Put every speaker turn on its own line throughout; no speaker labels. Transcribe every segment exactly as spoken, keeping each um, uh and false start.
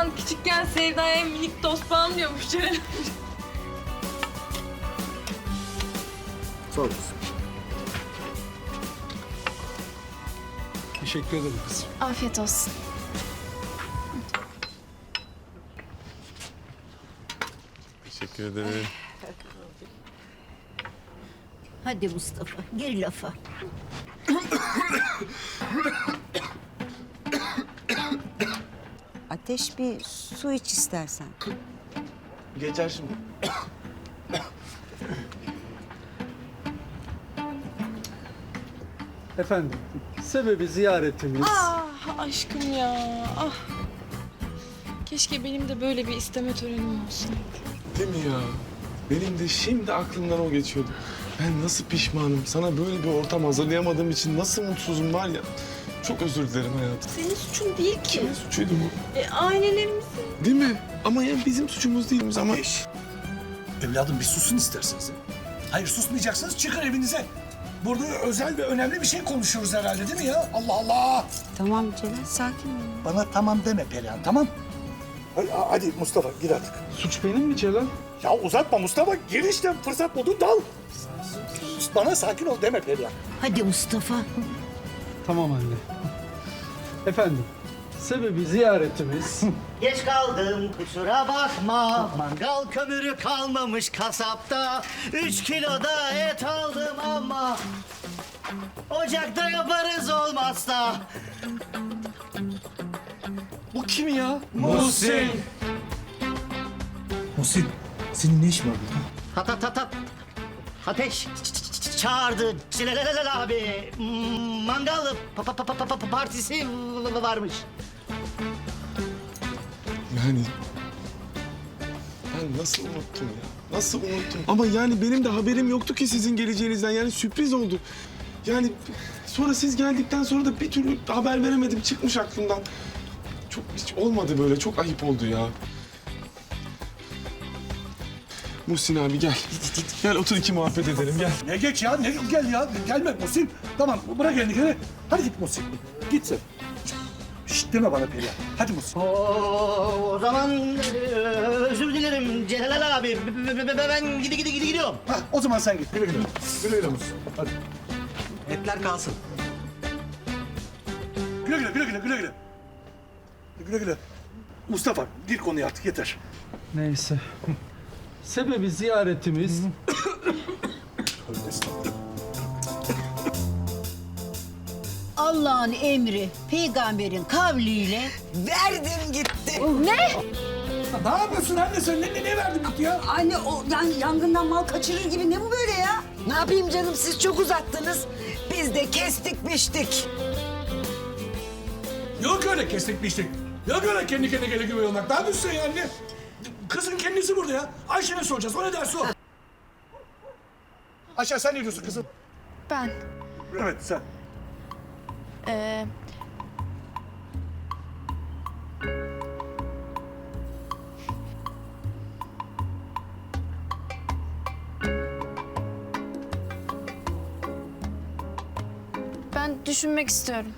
babam küçükken Sevda'ya minik tost falan diyormuş Ceren.
Sağ olasın.
Teşekkür ederim kızım.
Afiyet olsun.
Teşekkür ederim.
Hadi Mustafa, gir lafa.
Ateş, bir su iç istersen.
Geçer şimdi.
Efendim, sebebi ziyaretimiz...
Ah aşkım ya. Ah. Keşke benim de böyle bir isteme törenim olsaydı.
Değil mi ya? Benim de şimdi aklımdan o geçiyordu. Ben nasıl pişmanım. Sana böyle bir ortam hazırlayamadığım için nasıl mutsuzum var ya. Çok özür dilerim hayatım.
Senin suçun değil ki.
Kimin suçuydu bu?
E, ailelerimizin.
Değil mi? Ama yani bizim suçumuz değilmiş ama...
Ateş. Evladım bir susun isterseniz. ya. Hayır susmayacaksınız çıkın evinize. Burada özel ve önemli bir şey konuşuyoruz herhalde değil mi ya? Allah Allah.
Tamam Celal, sakin ol.
Bana tamam deme Perihan, tamam? Hadi, hadi Mustafa gir artık.
Suç benim mi Celal?
Ya uzatma Mustafa, gir işte fırsat buldun dal. Bana sakin ol deme Perihan.
Hadi Mustafa.
Tamam anne. Efendim, sebebi ziyaretimiz...
Geç kaldım kusura bakma. Mangal kömürü kalmamış kasapta. Üç kilo da et aldım ama ocakta yaparız olmazsa.
Bu kim ya?
Muhsin!
Muhsin, senin ne işin var burada?
Ta ta ta ta. Ateş ç- ç- ç- çağırdı Celal abi. Hmm, Mangal pa- pa- pa- pa- pa- partisi varmış.
Yani... Ben nasıl unuttum ya? Nasıl unuttum? Ama yani benim de haberim yoktu ki sizin geleceğinizden. Yani sürpriz oldu. Yani sonra siz geldikten sonra da bir türlü haber veremedim. Çıkmış aklımdan. Çok hiç olmadı böyle. Çok ayıp oldu ya. Muhsin abi gel. Gel otur iki muhabbet edelim gel.
Ne geç ya, ne gel ya. Gelme Muhsin. Tamam bırak elini geri. Hadi git Muhsin. Git sen. Şşt deme bana Perihan. Hadi Muhsin.
Oo, o zaman e, özür dilerim Celal abi. B- b- b- Ben gidi gidi gidi gidiyorum.
Hah, o zaman sen git. Güle güle. Güle güle Muhsin. Hadi.
Etler kalsın.
Güle güle, güle güle, güle güle. Güle güle. Mustafa gir konuya artık yeter.
Neyse. Sebebi ziyaretimiz...
Tövbe estağfurullah.
Allah'ın emri, peygamberin kavliyle
Verdim gitti.
Ne yapıyorsun anne sen? Ne, ne, ne verdin gitti ya?
Anne, o yani yangından mal kaçırır gibi ne bu böyle ya? Ne yapayım canım, siz çok uzattınız. Biz de kestik biçtik.
Yok öyle kestik biçtik. Yok öyle kendi kendine gele güve olmak. Ne yapıyorsun sen ya anne? Kızın kendisi burada ya. Ayşe'ne soracağız. O ne derse o. Ayşe sen ne diyorsun kızım?
Ben.
Evet sen.
Ee, ben düşünmek istiyorum.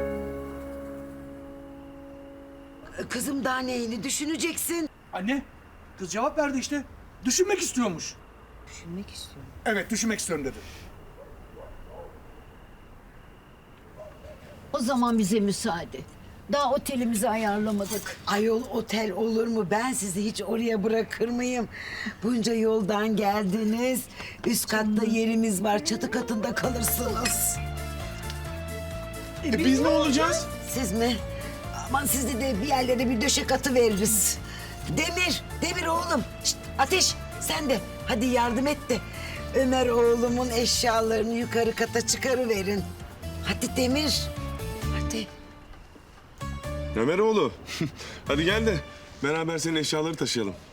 Kızım daha neyini düşüneceksin?
Anne kız cevap verdi işte. Düşünmek istiyormuş.
Düşünmek istiyorum.
Evet düşünmek istiyorum dedi.
o zaman bize müsaade. Daha otelimizi ayarlamadık.
Ayol otel olur mu? Ben sizi hiç oraya bırakır mıyım? Bunca yoldan geldiniz. Üst katta yerimiz var. Çatı katında kalırsınız.
E biz ne olacağız?
Siz mi? Aman sizi de bir yerlere bir döşek atı veririz. Demir, Demir oğlum. Şişt, Ateş sen de hadi yardım et de Ömer oğlumun eşyalarını yukarı kata çıkarıverin. Hadi Demir. Hadi.
Ömeroğlu. Hadi gel de beraber senin eşyaları taşıyalım.